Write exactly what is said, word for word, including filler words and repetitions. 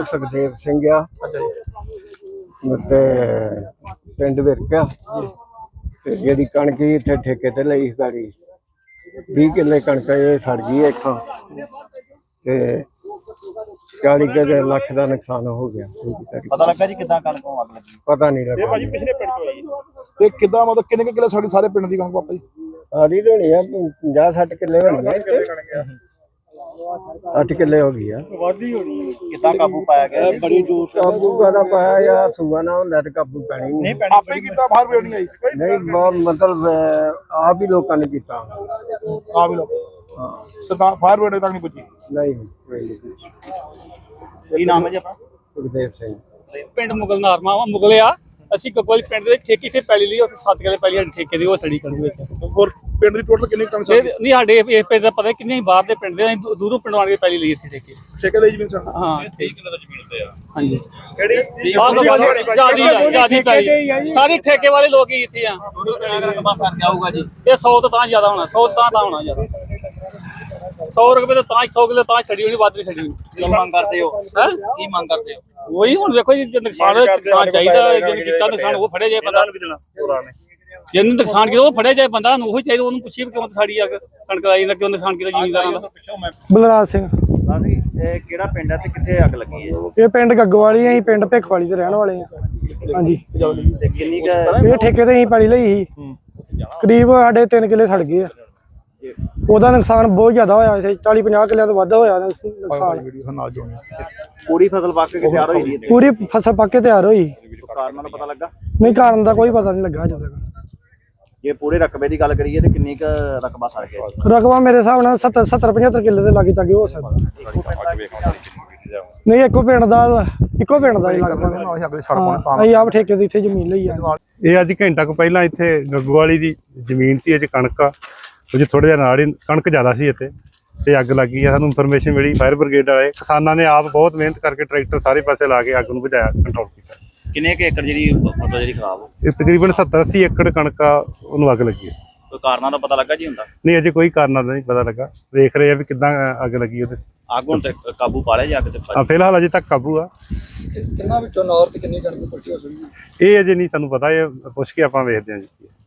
ਸੁਖਦੇਵ ਸਿੰਘ ਆ ਤੇ ਪਿੰਡ ਵਿਰਕਿਆ ਤੇ ਜਿਹੜੀ ਕਣਕ ਇੱਥੇ ਠੇਕੇ ਤੇ ਲਈ ਗਾੜੀ ਵੀਹ ਕਿੱਲੇ ਕਣਕ ਇਹ ਸੜ ਗਈ ਇੱਥੋਂ ਤੇ ਚਾਲੀ ਕੁ ਲੱਖ ਦਾ ਨੁਕਸਾਨ ਹੋ ਗਿਆ। ਪਤਾ ਲੱਗਾ ਜੀ ਕਿੱਦਾਂ ਕਣਕ ਨੂੰ ਅੱਗ ਲੱਗੀ? ਪਤਾ ਨਹੀਂ ਲੱਗਾ ਭਾਜੀ ਪਿਛਲੇ ਪਿੰਡ ਤੋਂ ਆਈ ਤੇ ਕਿੱਦਾਂ ਮਤਲਬ ਕਿੰਨੇ ਕਿੱਲੇ ਸਾਡੀ ਸਾਰੇ ਪਿੰਡ ਦੀ ਕਣਕ ਪਾਪਾ ਜੀ? ਸਾਰੀ ਹੋਣੀ ਆ ਪੰਜਾਹ ਸੱਠ ਕਿੱਲੇ ਹੋਣੀ ਆ, ਅੱਠ ਕਿੱਲੇ ਹੋ ਗਈ ਆ। ਵਾਧੀ ਹੋਣੀ ਕਿੱਦਾਂ ਕਾਬੂ ਪਾਇਆ ਗਿਆ? ਬੜੀ ਦੂਰ ਕਾਬੂ ਕਾਹਦਾ ਪਾਇਆ ਜਾਂ ਸੂਆ ਨਾ ਹੁੰਦਾ ਤੇ ਕਾਬੂ ਪੈਣੀ ਨਹੀਂ। ਆਪੇ ਹੀ ਕੀਤਾ ਬਾਹਰ ਵੀ ਨਹੀਂ ਆਈ ਨਹੀਂ ਬਹੁਤ ਮਤਲਬ ਆਪ ਹੀ ਲੋਕਾਂ ਨੇ ਕੀਤਾ। ਆ ਵੀ ਲੋਕ ਸਰਕਾਰ ਬਾਹਰ ਵੇੜੇ ਤੱਕ ਨਹੀਂ ਪੁੱਜੀ। ਨਹੀਂ ਕੋਈ ਨਹੀਂ। ਕੀ ਨਾਮ ਹੈ ਜੀ ਆਪਣਾ? ਸੁਖਦੇਵ ਸਿੰਘ ਪਿੰਡ ਮੁਗਲ ਨਾਰਮਾ ਵਾ ਮੁਗਲੇ ਆ ਅਸੀਂ ਕਪੋਲ ਪਿੰਡ ਦੇ ਠੇਕੇ ਤੇ ਪੈਲੀ ਲਈ ਉੱਥੇ ਸੱਤ ਕਿੱਲੇ ਪੈਲੀ ਠੇਕੇ ਦੀ ਉਹ ਸੜੀ ਕਰੂ ਵਿੱਚ ਹੋਰ ਪਿੰਡ ਦੀ ਟੋਟਲ ਕਿੰਨੀ ਕਣਕ ਤੇ ਨਹੀਂ ਸਾਡੇ ਇਸ ਪਿੰਡ ਦਾ ਪਤਾ ਕਿੰਨੇ ਬਾਹਰ ਦੇ ਪਿੰਡ ਦੇ ਅਸੀਂ ਦੂਰੋਂ ਪਿੰਡ ਆਣ ਕੇ ਪੈਲੀ ਲਈ ਇੱਥੇ ਠੇਕੇ ਠੇਕੇ ਲਈ ਜ਼ਮੀਨ ਸਨ? ਹਾਂ ਤੀਹ ਕਿੱਲੇ ਦਾ ਜ਼ਮੀਨ ਤੇ ਆ। ਹਾਂਜੀ ਕਿਹੜੀ ਜਿਆਦੀ ਜਿਆਦੀ ਪੈਲੀ ਸਾਰੇ ਠੇਕੇ ਵਾਲੇ ਲੋਕ ਹੀ ਇੱਥੇ ਆ। ਰਕਬਾ ਫਰਕ ਆਊਗਾ ਜੀ? ਇਹ ਸੌ ਤੋਂ ਤਾਂ ਜ਼ਿਆਦਾ ਹੋਣਾ, ਸੌ ਤਾਂ ਤਾਂ ਹੋਣਾ ਜ਼ਿਆਦਾ। ਸੌ ਰੁਪਏ ਤੋਂ ਤਾਂ ਸੌ ਕਿੱਲੇ ਤਾਂ ਛੱਡੀ ਹੋਣੀ, ਵੱਧ ਨਹੀਂ ਛੱਡੀ ਹੋਣੀ। ਕੀ ਮੰਗ ਕਰਦੇ ਹੋ? ਹੈ ਕੀ ਮੰਗ ਕਰਦੇ ਹੋ? ਉਹੀ ਹੁਣ ਵੇਖੋ ਜੀ ਨੁਕਸਾਨ ਨੁਕਸਾਨ ਚਾਹੀਦਾ, ਜਿਹਨੇ ਕੀਤਾ ਨੁਕਸਾਨ ਉਹ ਫੜਿਆ ਜਾਏ ਬੰਦਾ। ਜਿਹਨੇ ਨੁਕਸਾਨ ਕੀਤਾ ਉਹ ਫੜਿਆ ਜਾਏ ਬੰਦਾ, ਨੂੰ ਉਹ ਚਾਹੀਦਾ ਉਹਨੂੰ ਪੁੱਛੀਏ ਕਿਉਂ ਸਾੜੀ ਅੱਗ ਕਣਕ ਲਾਈ ਨਾ ਕਿਉਂ ਨੁਕਸਾਨ ਕੀਤਾ ਜ਼ਿਮੀਂਦਾਰਾਂ ਦਾ। ਬਲਰਾਜ ਸਿੰਘ। ਲਾਡੀ ਇਹ ਕਿਹੜਾ ਪਿੰਡ ਹੈ ਤੇ ਕਿੱਥੇ ਅੱਗ ਲੱਗੀ ਹੈ? ਇਹ ਪਿੰਡ ਗੱਗੋਵਾਲੀ ਅਸੀਂ ਪਿੰਡ ਭਿੱਖਵਾਲੀ ਦੇ ਰਹਿਣ ਵਾਲੇ ਆ। ਹਾਂਜੀ ਤੇ ਕਿੰਨੀ ਕੁ ਇਹ ਠੇਕੇ ਤੇ ਅਸੀਂ ਪੈਲੀ ਲਈ ਸੀ, ਕਰੀਬ ਸਾਡੇ ਤਿੰਨ ਕਿੱਲੇ ਸੜ ਗਏ ਆ। ਉਹਦਾ ਨੁਕਸਾਨ ਬਹੁਤ ਜ਼ਿਆਦਾ ਹੋਇਆ ਸੀ, ਚਾਲੀ ਪੰਜਾਹ ਕਿੱਲਿਆਂ ਤੋਂ ਵੱਧ ਹੋਇਆ ਨੁਕਸਾਨ। ਪੂਰੀ ਫਸਲ ਪੱਕ ਕੇ ਤਿਆਰ ਹੋਈ ਦੀ ਹੈ? ਪੂਰੀ ਫਸਲ ਪੱਕ ਕੇ ਤਿਆਰ ਹੋਈ। ਕਾਰਨਾਂ ਦਾ ਪਤਾ ਲੱਗਾ? ਨਹੀਂ ਕਾਰਨ ਦਾ ਕੋਈ ਪਤਾ ਨਹੀਂ ਲੱਗਾ ਅਜੇ ਤੱਕ। ਜੇ ਪੂਰੇ ਰਕਬੇ ਦੀ ਗੱਲ ਕਰੀਏ ਤੇ ਕਿੰਨੀ ਕੁ ਰਕਬਾ ਸੜ ਗਿਆ? ਰਕਬਾ ਮੇਰੇ ਹਿਸਾਬ ਨਾਲ ਸੱਤਰ ਸੱਤਰ ਪਝੱਤਰ ਕਿੱਲੇ ਦੇ ਲਾਗੇ ਚਾਗੇ ਹੋ ਸਕਦਾ। ਨਹੀਂ ਇੱਕੋ ਪਿੰਡ ਦਾ ਇੱਕੋ ਪਿੰਡ ਦਾ ਹੀ ਲੱਗਦਾ। ਅਸੀਂ ਆਪ ਠੇਕੇ ਦੀ ਇੱਥੇ ਜ਼ਮੀਨ ਲਈ ਆ। ਇਹ ਅੱਜ ਘੰਟਾ ਕੁ ਪਹਿਲਾਂ ਇੱਥੇ ਗੱਗੋਵਾਲੀ ਦੀ ਜ਼ਮੀਨ ਸੀ, ਇਹ ਕਣਕ ਆ ਉਹ ਥੋੜਾ ਜਿਹਾ ਨਾਲ ਹੀ ਕਣਕ ਜ਼ਿਆਦਾ ਸੀ ਇੱਥੇ ਤੇ ਅੱਗ ਲੱਗੀ ਆ। ਸਾਨੂੰ ਇਨਫੋਰਮੇਸ਼ਨ ਮਿਲੀ, ਫਾਇਰ ਬ੍ਰਿਗੇਡ ਵਾਲੇ ਕਿਸਾਨਾਂ ਨੇ ਆਪ ਬਹੁਤ ਮਿਹਨਤ ਕਰਕੇ ਟਰੈਕਟਰ ਸਾਰੇ ਪਾਸੇ ਲਾ ਕੇ ਅੱਗ ਨੂੰ ਬੁਝਾਇਆ, ਕੰਟਰੋਲ ਕੀਤਾ। ਕਿੰਨੇ ਕੁ ਏਕੜ ਜਿਹੜੀ ਫਸਲ ਜਿਹੜੀ ਖਰਾਬ ਹੋ? ਇਹ ਤਕਰੀਬਨ ਸੱਤਰ ਅੱਸੀ ਏਕੜ ਕਣਕ ਆ ਉਹਨੂੰ ਅੱਗ ਲੱਗੀ ਹੈ। ਕੋਈ ਕਾਰਨਾਂ ਦਾ ਪਤਾ ਲੱਗਾ ਜੀ ਹੁੰਦਾ? ਨਹੀਂ ਅਜੇ ਕੋਈ ਕਾਰਨ ਨਹੀਂ ਪਤਾ ਲੱਗਾ, ਵੇਖ ਰਹੇ ਆ ਵੀ ਕਿੱਦਾਂ ਅੱਗ ਲੱਗੀ ਉਹਦੇ। ਅੱਗ ਹੁਣ ਤੇ ਕਾਬੂ ਪਾ ਲਿਆ ਜੀ ਅੱਗ ਤੇ? ਹਾਂ ਫਿਲਹਾਲ ਅਜੇ ਤੱਕ ਕਾਬੂ ਆ। ਕਿੰਨਾ ਵਿੱਚੋਂ ਨੌਰ ਤੇ ਕਿੰਨੀ ਕਣਕ ਪੱਕੀ ਹੋ ਸਕਦੀ? ਇਹ ਅਜੇ ਨਹੀਂ ਸਾਨੂੰ ਪਤਾ, ਇਹ ਪੁੱਛ ਕੇ ਆਪਾਂ ਵੇਖਦੇ ਹਾਂ ਜੀ।